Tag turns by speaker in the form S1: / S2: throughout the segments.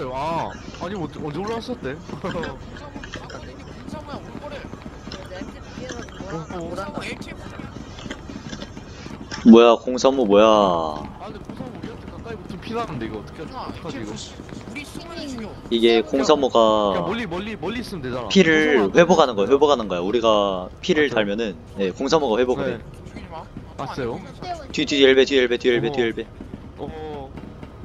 S1: 올라왔어요. 아, 아니 언제 올라왔었대?
S2: 공사모 공사모야 올 거래. 공사모 ATM.
S3: 뭐야 공사모 뭐야.
S1: 아, 근데 고상 우리한테 가까이 붙으면 피나는데 이거 어떡하지 이거?
S2: 우리 쏘면 죽여.
S3: 이게
S1: 그냥
S3: 공사모가
S1: 멀리 있으면 되잖아.
S3: 피를
S1: 고상은
S3: 회복하는 거야. 회복하는 거야. 우리가 피를
S1: 맞죠?
S3: 달면은 네, 공사모가 회복을 해.
S1: 네.
S2: 죽이지 마.
S1: 봤어요?
S3: 뒤 엘베 뒤 엘베 뒤 엘베 뒤 엘베.
S1: 어,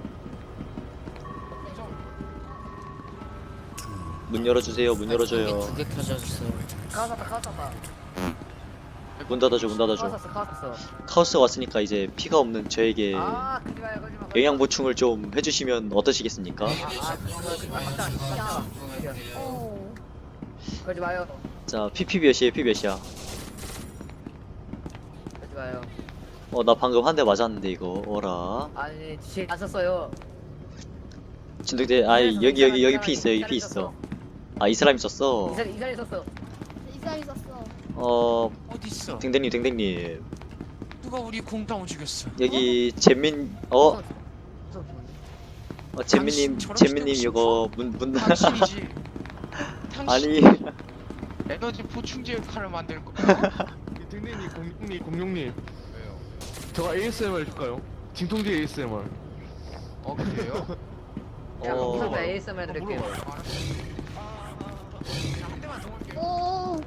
S3: 문 열어주세요. 문 열어줘요.
S2: 두개 켜져줬어요.
S4: 카왔다.
S3: 문 닫아줘. 문 닫아줘.
S4: 카왔어.
S3: 카오스가 왔으니까 이제 피가 없는 저에게
S4: 아, 그지 마요, 그지 마.
S3: 영양 보충을 좀 해주시면 어떠시겠습니까?
S4: 그지 마요.
S3: 자 PP 몇이에요? 피 몇이야?
S4: 그지 마요.
S3: 나 방금 한 대 맞았는데 이거 어라.
S4: 아니, 제 안 썼어요.
S3: 진돗개 여기 피 있어. 여기 피 있어. 아 이 사람이 썼어.
S4: 이사리 썼어.
S5: 이 사람이 썼어.
S2: 어디 있어?
S3: 댕댕님
S2: 누가 우리 공당을 죽였어?
S3: 여기 잼민 잼민님 이거 문
S2: 당신이지.
S3: 아니
S2: 에너지 보충제 칼을 만들 거.
S1: 댕댕님, 공룡님,
S2: 왜요?
S1: 제가 ASMR 해줄까요? 진통제 ASMR.
S2: 그래요?
S4: 야,
S3: 어.
S4: 공사모 ASMR 해드릴게요.
S2: 한 대만 더 올게요.
S5: 오.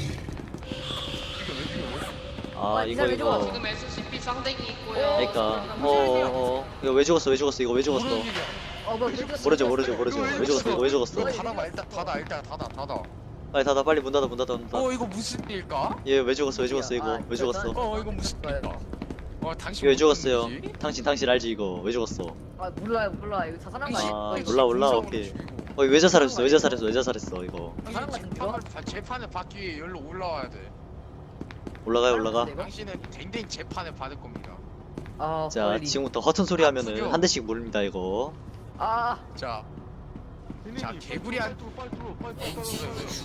S3: 아 이거
S6: 지금 SCP 쌍댕이 있고요.
S3: 그러니까 이거 왜 죽었어 이거 왜 죽었어.
S2: 모르는 일이야.
S3: 모르죠 왜 죽었어 이거 왜 죽었어.
S2: 닫아봐 일단 일단 닫아.
S3: 빨리 닫아 빨리 문 닫아
S2: 이거 무슨 일까?
S3: 얘 왜 죽었어 이거 왜 죽었어.
S2: 이거 무슨 일까? 당신
S3: 이거 왜 죽었어요.
S2: 무슨 일이지?
S3: 당신 알지 이거 왜 죽었어.
S4: 아, 몰라. 이거 자살한 거
S3: 아,
S4: 아니야?
S3: 몰라,
S2: 공사모로
S3: 오케이.
S2: 죽이고.
S3: 왜 자살했어 이거.
S4: 사람 같은 거?
S2: 재판을 받기 위해 여기로 올라와야 돼.
S3: 올라가.
S2: 당신은 댕댕 재판을 받을 겁니다.
S4: 아,
S3: 자
S4: 빨리.
S3: 지금부터 허튼 소리 하면은 한 대씩 물립니다 이거.
S4: 아,
S2: 자, 개구리한
S1: 빨리 들어.